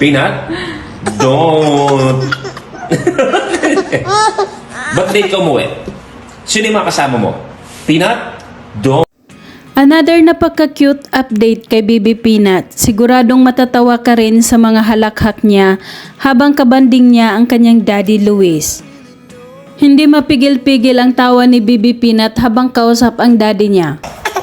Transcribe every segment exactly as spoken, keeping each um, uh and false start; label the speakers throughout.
Speaker 1: Peanut, don't. Ba't late ka umuwi? Sino yung mga kasama mo? Peanut, don't.
Speaker 2: Another napaka-cute update kay Baby Peanut. Siguradong matatawa ka rin sa mga halakhak niya habang kabanding niya ang kanyang daddy Luis. Hindi mapigil-pigil ang tawa ni Baby Peanut habang kausap ang daddy niya.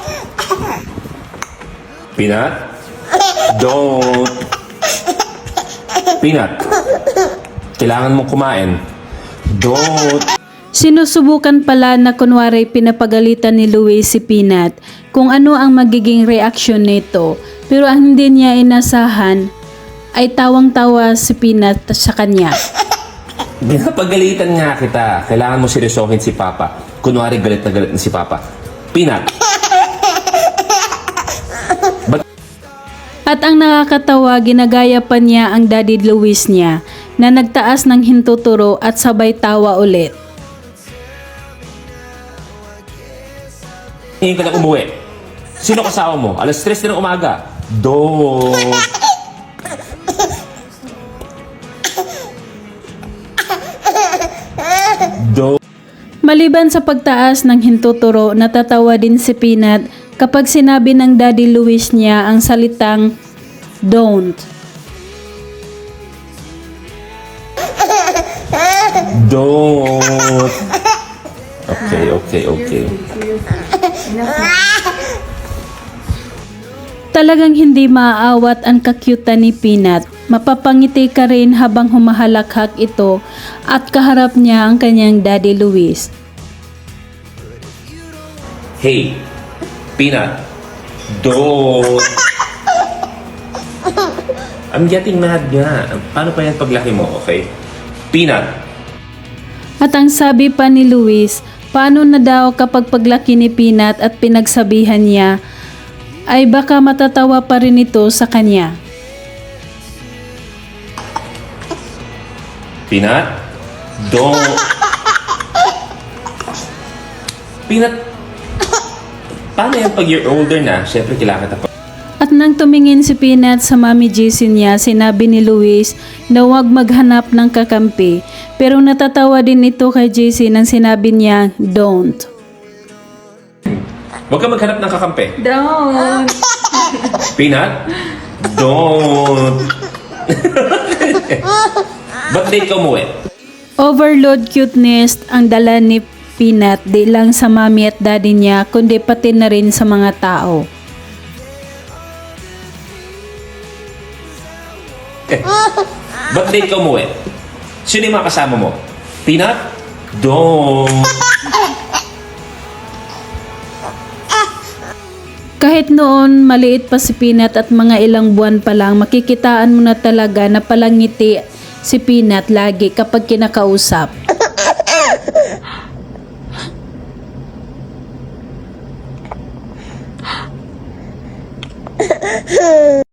Speaker 1: Peanut, don't. Peanut, kailangan mong kumain. Don't.
Speaker 2: Sinusubukan pala na kunwari pinapagalitan ni Luis si Peanut kung ano ang magiging reaksyon nito, pero ang hindi niya inasahan ay tawang-tawa si Peanut sa kanya.
Speaker 1: Pinapagalitan nga kita. Kailangan mo seryosohin si Papa. Kunwari galit na galit na si Papa. Peanut. But,
Speaker 2: At ang nakakatawa, ginagaya pa niya ang daddy Luis niya na nagtaas ng hintuturo at sabay tawa ulit.
Speaker 1: ngayon ka na umuwi. Sino kasama mo? Alas tres na ng umaga. Don't. Don't.
Speaker 2: Maliban sa pagtaas ng hintuturo, natatawa din si Peanut kapag sinabi ng daddy Luis niya ang salitang don't.
Speaker 1: Don't. Okay, okay, okay.
Speaker 2: Talagang hindi maaawat ang kakyutan ni Peanut. Mapapangiti ka rin habang humahalakhak ito at kaharap niya ang kanyang daddy Luis.
Speaker 1: Hey, Peanut. Don't. I'm getting mad nga. Paano pa yan paglaki mo, okay? Peanut.
Speaker 2: At ang sabi pa ni Luis, paano na daw kapag paglaki ni Peanut at pinagsabihan niya, ay baka matatawa pa rin ito sa kanya.
Speaker 1: Peanut, don't. Peanut, paano yan pag you're older na? Siyempre, kailangan kita pa.
Speaker 2: At nang tumingin si Peanut sa Mami Jessie niya, sinabi ni Luis na huwag maghanap ng kakampi. Pero natatawa din ito kay Jessie nang sinabi niya, don't.
Speaker 1: Huwag ka maghanap ng kakampi.
Speaker 2: Don't!
Speaker 1: Peanut, don't. Ba't late ka umuwi?
Speaker 2: Overload cuteness ang dala ni Peanut di lang sa mami at daddy niya kundi pati na rin sa mga tao.
Speaker 1: Ba't late ka umuwi? Sino yung mga kasama mo? Peanut, don't.
Speaker 2: Kahit noon maliit pa si Peanut at mga ilang buwan pa lang, makikitaan mo na talaga na palangiti si Peanut lagi kapag kinakausap.